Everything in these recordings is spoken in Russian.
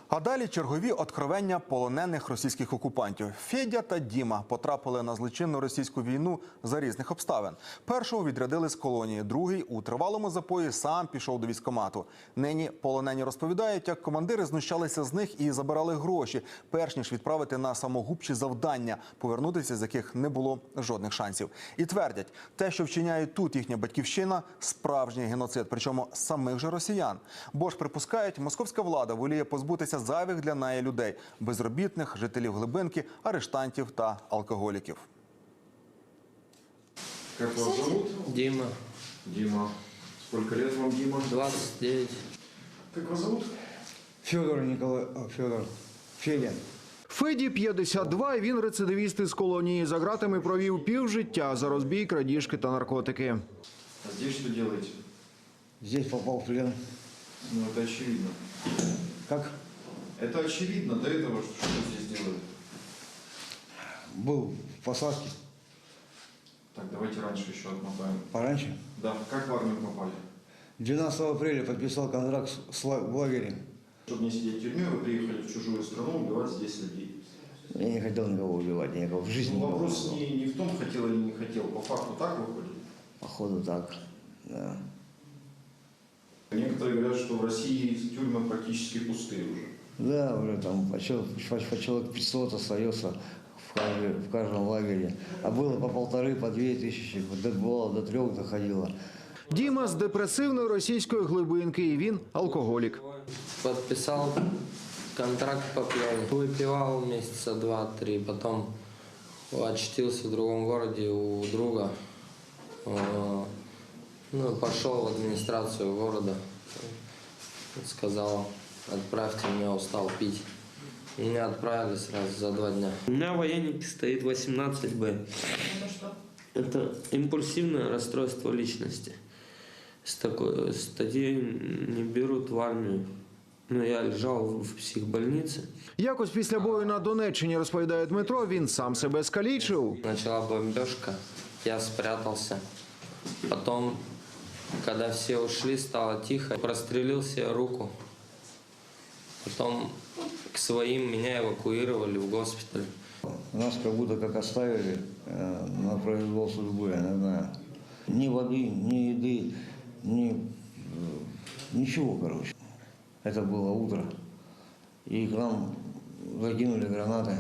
А далі чергові откровення полонених російських окупантів. Федя та Діма потрапили на злочинну російську війну за різних обставин. Першого відрядили з колонії, другий у тривалому запої сам пішов до військкомату. Нині полонені розповідають, як командири знущалися з них і забирали гроші, перш ніж відправити на самогубчі завдання, повернутися з яких не було жодних шансів. І твердять, те, що вчиняє тут їхня батьківщина – справжній геноцид, причому самих же росіян. Бо ж припускають, московська влада воліє позбутися зайвих для неї людей – безробітних, жителів глибинки, арештантів та алкоголіків. Как вас зовут? Дима. Дима. Сколько лет вам, Дима? 29. Как вас зовут? Федя. Феді 52, і він рецидивіст із колонії. За ґратами провів півжиття за розбій, крадіжки та наркотики. А здесь что делаете? Здесь попал в плен. Ну, это очевидно. Как? Это очевидно. До этого что вы здесь делали? Был в посадке Так, давайте раньше еще отмотаем. пораньше. Да, как в армию попали? 12 апреля подписал контракт в лагере. Чтобы не сидеть в тюрьме, вы приехали в чужую страну убивать здесь людей. Я не хотел никого убивать, я никого в жизни Ну, никого не вопрос убивал. не в том, хотел или не хотел. По факту так выходит? Походу так, да. Некоторые говорят, что в России тюрьмы практически пустые уже. Да, уже там по человек 500 остается в каждом лагере. А было по 1500, по 2000, бывало до 3 доходило. Діма з депресивної російської глибинки, і він алкоголік. Подписал контракт по пьяни. Выпивал месяца 2-3, потом очутился в другом городе у друга. Ну, пошел в администрацию города. Сказал, отправьте меня, устал пить. Меня отправили сразу за 2 дня. У меня в военнике стоит 18Б. Это импульсивное расстройство личности. С такой статьей не берут в армию. Но я лежал в психбольнице. Якось після бою на Донеччині, розповідає Дмитро, він сам себе скалічив. Начала бомбежка, я спрятался. Потом, когда все ушли, стало тихо. Прострелил себе руку. Потом к своим меня эвакуировали в госпиталь. Нас как будто как оставили на произвол судьбы, я не знаю. Ни воды, ни еды, ничего, короче. Это было утро. И к нам закинули гранаты.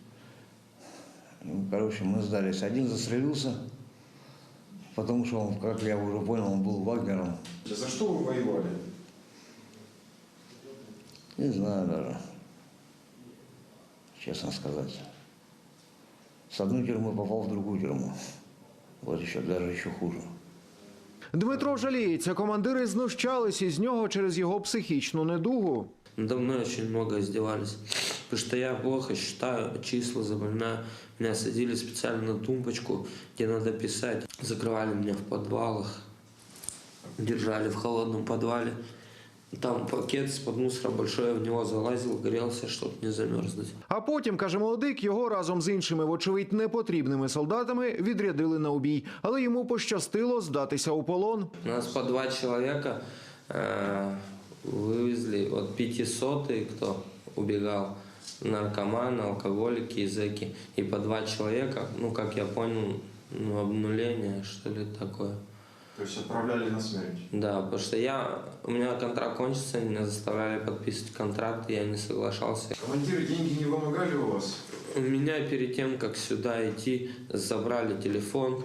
Короче, мы сдались. Один застрелился, потому что он, как я уже понял, он был вагнером. За что вы воевали? Не знаю даже, честно сказать. С одной тюрьмы попал в другую тюрьму. Вот еще, даже еще хуже. Дмитро жаліється, командири знущались із нього через його психічну недугу. Надо мной очень много издевались. Потому что я плохо считаю числа, запоминаю. Меня садили специально на тумбочку, где надо писать. Закрывали меня в подвалах. Держали в холодном подвале. Там пакет из-под мусора большой, я в него залазил, грелся, чтобы не замерзнуть. А потім, каже молодик, його разом з іншими, вочевидь, непотрібними солдатами відрядили на убій. Але йому пощастило здатися у полон. Нас по 2 человека вывезли, вот 500-й, кто убегал, наркоманы, алкоголики и зэки. И по 2 человека, ну, как я понял, ну, обнуление, что ли, такое. То есть отправляли на смерть? Да, потому что у меня контракт кончится, меня заставляли подписывать контракт, и я не соглашался. Командиры деньги не вымогали у вас? У меня перед тем, как сюда идти, забрали телефон,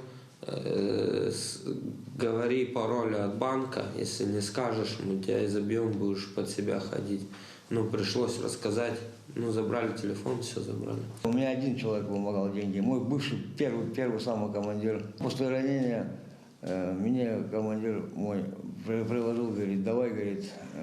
говори пароль от банка, если не скажешь, мы тебя изобьем, будешь под себя ходить. Ну, пришлось рассказать, ну, забрали телефон, все забрали. У меня один человек вымогал деньги, мой бывший, первый самый командир. После ранения меня командир мой предложил, говорит, давай, говорит,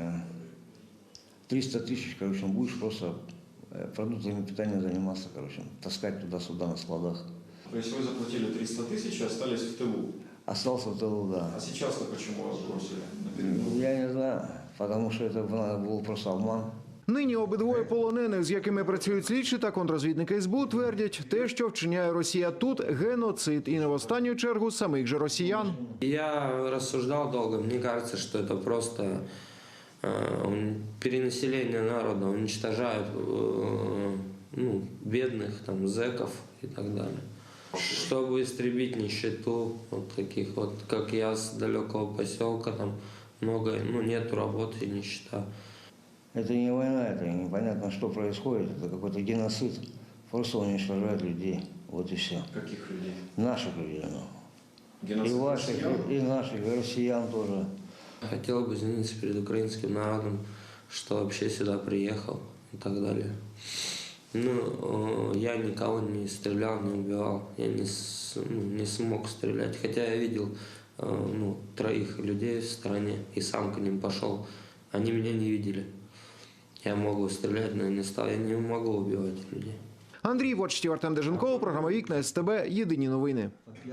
300 тысяч, короче, будешь просто продуктами питания заниматься, короче, таскать туда-сюда на складах. То есть вы заплатили 300 тысяч и остались в тылу? Остался в тылу, да. А сейчас-то почему вас бросили на передовую? Я не знаю, потому что это был просто обман. Нині обидвоє полонених, з якими працюють слідчі та контррозвідники СБУ, твердять, те, що вчиняє Росія тут – геноцид. І не в останню чергу самих же росіян. Я рассуждал долго, мне кажется, что это просто перенаселение народа, уничтожают ну, бедных, там, зэков и так далее. Чтобы истребить нищету, вот таких вот, как я, с далекого поселка, там много, ну, нету работы и нищета. Это не война, это непонятно, что происходит. Это какой-то геноцид. Просто уничтожают людей. Вот и все. Каких людей? Наших людей. Ну. И Геноцид ваших, россиян? и наших, и россиян тоже. Хотел бы извиниться перед украинским народом, что вообще сюда приехал и так далее. Ну, я никого не стрелял, не убивал, я не смог стрелять. Хотя я видел ну, 3 людей в стране и сам к ним пошел. Они меня не видели. Я могу стрелять, но я не стал, я не могу убивать людей. Андрій Вочтів, Артем Деженков, програма «Вікна СТБ», єдині новини.